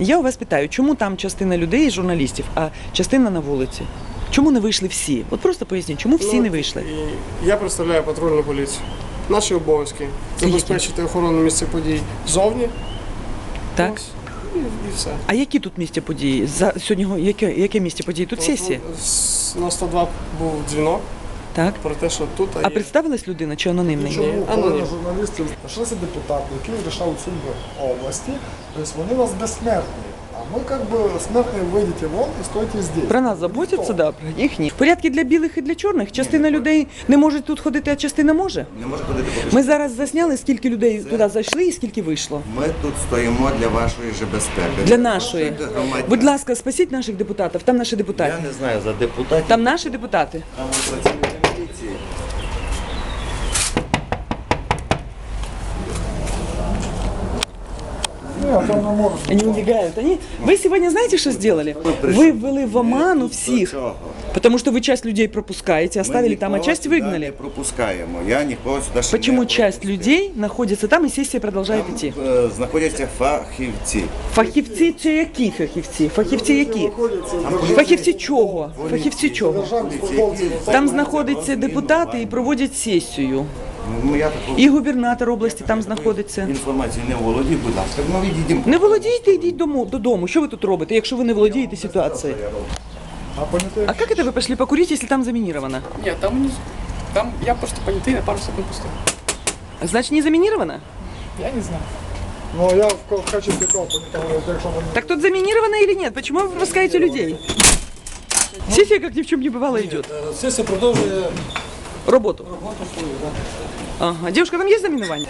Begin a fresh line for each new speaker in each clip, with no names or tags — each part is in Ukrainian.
Я у вас питаю, чому там частина людей, журналістів, а частина на вулиці? Чому не вийшли всі? От просто поясніть, чому всі не вийшли?
Я представляю патрульну поліцію. Наші обов'язки забезпечити охорону місця подій ззовні.
Так.
Ось, і все.
А які тут місця події? Сьогодні яке місце події? Тут сесія?
На 102 був дзвінок
Так.
про те, що тут
А представилась людина чи анонімний?
Чому
Анонім.
коли журналістів знайшлися депутати, які рішають судьби області, тобто вони у нас безсмертні. А ми как бы смертные, выйдете вон и стойте здесь.
Про нас заботяться, да, про них ні. Порядки для білих і для чорних. Частина людей не може тут ходити, а частина може.
Не може ходити по
Ми зараз засняли, скільки людей туди зайшли і скільки вийшло.
Ми тут стоїмо для вашої ж безпеки.
Для нашої.
Громадян.
Будь ласка, спасіть наших депутатів. Там наші
Я
депутати.
не знаю за депутатів.
Там наші депутати.
Там працівники міліції.
Нет, там не может.
Они убегают. Вы сегодня знаете, что сделали? Вы ввели в оману всіх. Потому что вы часть людей пропускаете, оставили там, а часть
Не
выгнали.
пропускаємо. Я нікого сюди ще
Почему
не
часть людей находится там и сессия продолжает идти?
пропускаю. Знаходяться фахівці.
Фахівці чи які фахівці? Фахівці які? Фахівці чого? Фахівці чого? Там знаходяться депутати і проводять сесію.
Ну, я таку
І губернатор області там знаходиться.
інформацію не володію, будь ласка. Ну, відійдемо.
Не володієте, йдіть додому. Що ви тут робите, якщо ви не володієте ситуацією?
А понятые
А как это вы пошли покурить, если там заминировано?
Ні, там внизу. Там я просто понятий на пару секунд пустив.
Значит, не заминировано?
Я не знаю.
Но я в качестве кого понятого, якщо вони
Так тут заминировано или нет? Почему вы пропускаете людей? Сессия, как ни в чем не бывало, идет.
Сесія продовжує
Роботу.
роботу свою. Да.
Ага. Девушка, там есть заминование?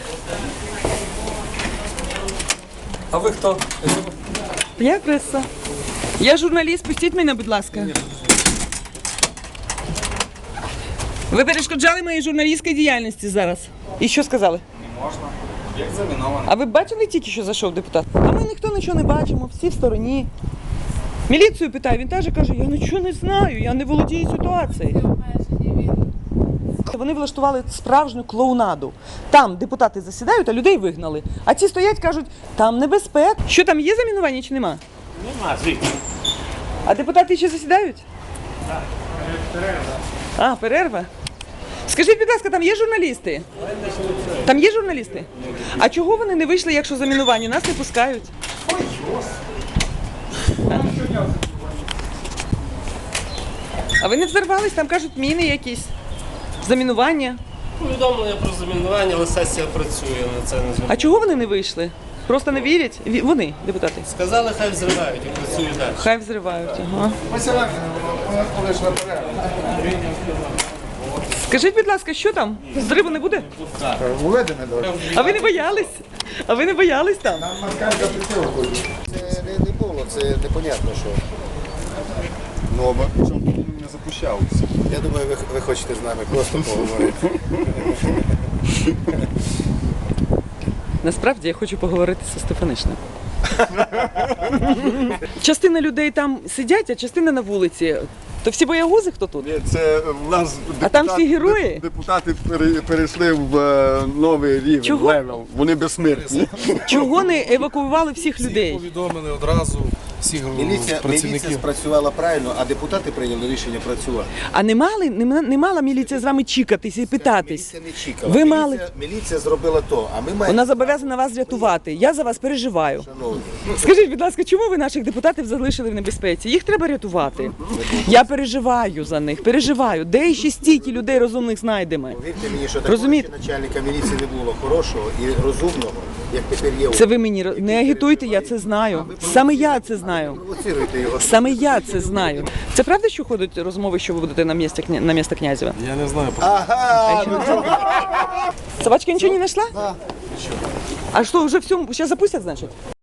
А ви хто?
Я преса. Я журналіст, пустіть мене, будь ласка. Ви перешкоджали моїй журналістській діяльності зараз. І що сказали?
Не можна. Як заміновано.
А ви бачили тільки, що зайшов депутат? А ми ніхто нічого не бачимо, всі в стороні. Міліцію питаю, він теж каже, я нічого не знаю, я не володію ситуацією. Вони влаштували справжню клоунаду. Там депутати засідають, а людей вигнали. А ці стоять, кажуть, там небезпека. Що там, є замінування чи нема?
Нема, звідки?
А депутати ще засідають? Так, перерва. А, перерва? Скажіть, будь ласка, там є журналісти? Там є журналісти? А чого вони не вийшли, якщо замінування? Нас не пускають. А ви не взорвались? Там кажуть, міни якісь. Замінування.
Повідомлення про замінування, але сесія працює на це не
А
звертає.
чого вони не вийшли? Просто не вірять? Вони, депутати.
Сказали, хай взривають і працюють далі.
Хай взривають. Ага.
вийшли перерву.
Скажіть, будь ласка, що там? Зриву не буде?
Уведені, до
А ви не боялись? А ви не боялись там?
Нам москаль запретив ходити.
Це не було, це непонятно, що.
Ну, а чому не запущалися?
Я думаю, ви хочете з нами просто поговорити.
Насправді я хочу поговорити зі Стефанишним. Частина людей там сидять, а частина на вулиці. То всі боягузи, хто тут?
Ні, це в нас
А там всі герої?
депутати перейшли в новий рівень,
Чого?
левел. Вони безсмертні.
Чого не евакуювали всіх людей?
Повідомили одразу всіх
Міліція
працівників.
спрацювала правильно, а депутати прийняли рішення працювати.
А не мала міліція з вами чікатись і питатись?
Міліція не чекала.
Ви мали.
Міліція зробила то, а ми маємо...
Вона зобов'язана вас рятувати. Я за вас переживаю.
Шановні,
Скажіть, будь ласка, чому ви наших депутатів залишили в небезпеці? Їх треба рятувати. Я переживаю за них, переживаю. Де ще стільки людей розумних знайдемо?
повірте мені, що такого
Розумієте?
ще начальника міліції не було хорошого і розумного, як тепер є.
Це ви мені не агітуйте, я це знаю. Саме я це знаю.
Провоцируйте його.
Саме я це знаю. Це правда, що ходять розмови, що ви будете на місце Князєва?
Я не знаю.
Ага,
Собачка ничего не нашла? Да. А что, уже все, сейчас запустят, значит?